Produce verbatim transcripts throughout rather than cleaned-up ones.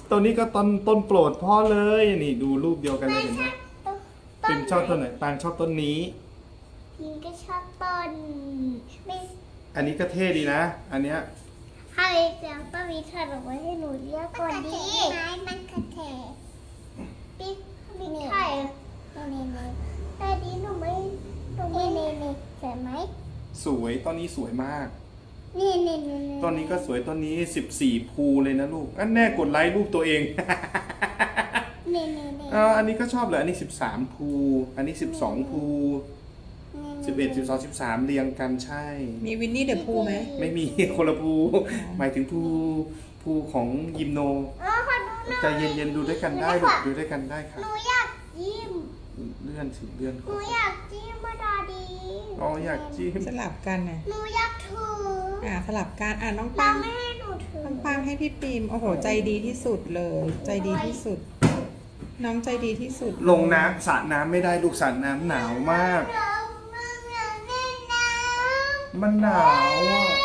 ตัวนี้ก็ต้นต้นโปรดพ่อเลยนี่ดูรูปเดียวกันเลยเห็นไหมปิมชอบต้นไหนปางชอบต้นนี้พิมก็ชอบต้นไม่อันนี้ก็เท่ดีนะ อันเนี้ยถ้าเล็กแล้วก็มีขนมไว้ให้หนูเลือกก่อนดีไม้มันกระเทยปิ๊กมีไข่นี่นี่แต่ดีหนูไม่หนูไม่นี่นี่สวยไหมสวยต้นนี้สวยมากนี่นี่นี่ต้นนี้ก็สวยต้นนี้สิบสี่ภูเลยนะลูกอันแน่กดไลค์รูปตัวเองนี่นี่นี่อ่าอันนี้ก็ชอบเลยอันนี้สิบสามภูอันนี้สิบสองภูสิบเอ็ดสิบสองสิบสามเรียงกันใช่มีวินนี่เดอะพูไหมไม่มี คนละภูหมายถึงภูภูของยิมโนอ๋อขอดูหน่อยใจเย็นๆดูด้วยกันได้ลูกดูด้วยกันได้ค่ะหนูอยากจิ้มเลื่อนสิเลื่อนหนูอยากจิ้มมาดาดีอ๋ออยากจิ้มสลับกันนะหนูอยากถืออ่าสลับกันอ่าน้องป้าปังไม่ให้หนูถือน้องปังให้พี่ปิมโอ้โหใจดีที่สุดเลย ใจดีที่สุด น้องใจดีที่สุดลงน้ำสระน้ำไม่ได้ลูกสระน้ำหนาวมากเราไม่อยากเล่นน้ำมันหนาวอ่ะ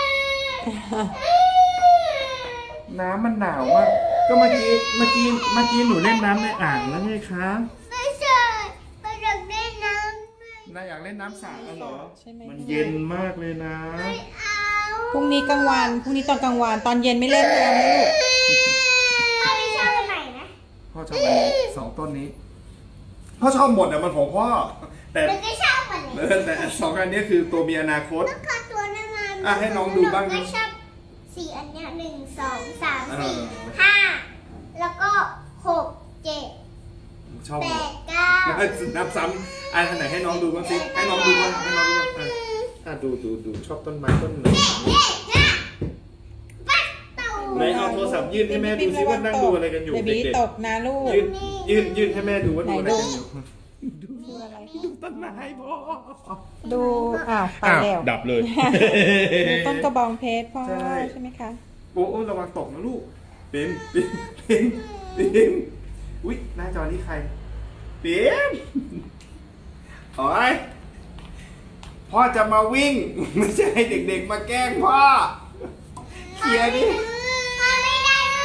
น้ำมันหนาวมากก็เมื่อกี้เมื่อกี้เมื่อกี้หนูเล่นน้ำในอ่างแล้วไงคะไม่ใช่ไม่อยากเล่นน้ำไม่นายอยากเล่นน้ำสระเหรอใช่ไหมมันเย็นมากเลยนะเอาพรุ่งนี้กลางวันพรุ่งนี้ตอนกลางวันตอนเย็นไม่เล่นน้ำนะลูกถ้าไม่ชอบอันไหนนะพ่อชอบอันนี้สองต้นนี้พ่อชอบหมดแต่มันของพ่อแต่มันก็ชอบอันเอนี้อแต่สองอันนี้คือตัวมีอนาคตแล้วก็ตัวนั้นมาอ่ะให้น้องดูบ้างหนูก็ชอบสี่อันเนี้ยหนึ่งสองสามสี่เออห้าแล้วก็หกเจ็ดชอบแปหมดดเก้าแล้วนับซ้ำอันไหนให้น้องดูบ้างสิให้น้องดูบ้างให้น้องดูบ้างอ่ะอ่ะดูดูดูชอบต้นไม้ต้นไหนเย้นะปัดเต่าไหนเอาโทรศัพท์ยื่นให้แม่ดูซิว่านั่งดูอะไรกันอยู่เบเด็บี้กตกนะลูกๆยื่นยื่นยื่นให้แม่ดูว่าดูอะไรไหนดูกันอยู่ดูอะไรดูต้นไม้พ่อดูอ้าวไปอ้าวแล้วดับเลยดูต้นกระบองเพชรพ่อใช่ใช่ไหมคะโอ้โอ้ระวังตกนะลูกปิมปิมปิมปิมอุ้ยหน้าจอนี้ใครปิมโอ้ยพ่อจะมาวิ่ง ไม่ใช่ให้เด็กๆมาแกล้งพ่อเคลียร์ดิมาไม่ได้เลย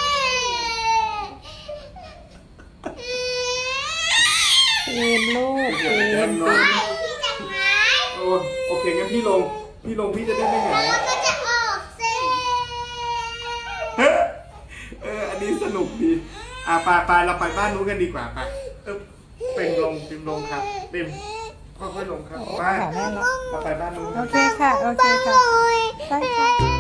ปีนลูกปีนเดินลไปงพี่จังไงโอ้โอเคงั้นพี่ลงพี่ลงพี่จะได้ไม่หาแล้วยมันก็จะออกเส้เอออันนี้สนุกดีอ่ะไปไปเราไปบ้านนู้นกันดีกว่าไปเออเป็นลงเป็นลงครับเป็นค่อยๆลงครับโอ้ไปขาแม่ละเราไปบ้านนู้นโอเคค่ะ โอเคค่ะโอ้ยได้ค่ะ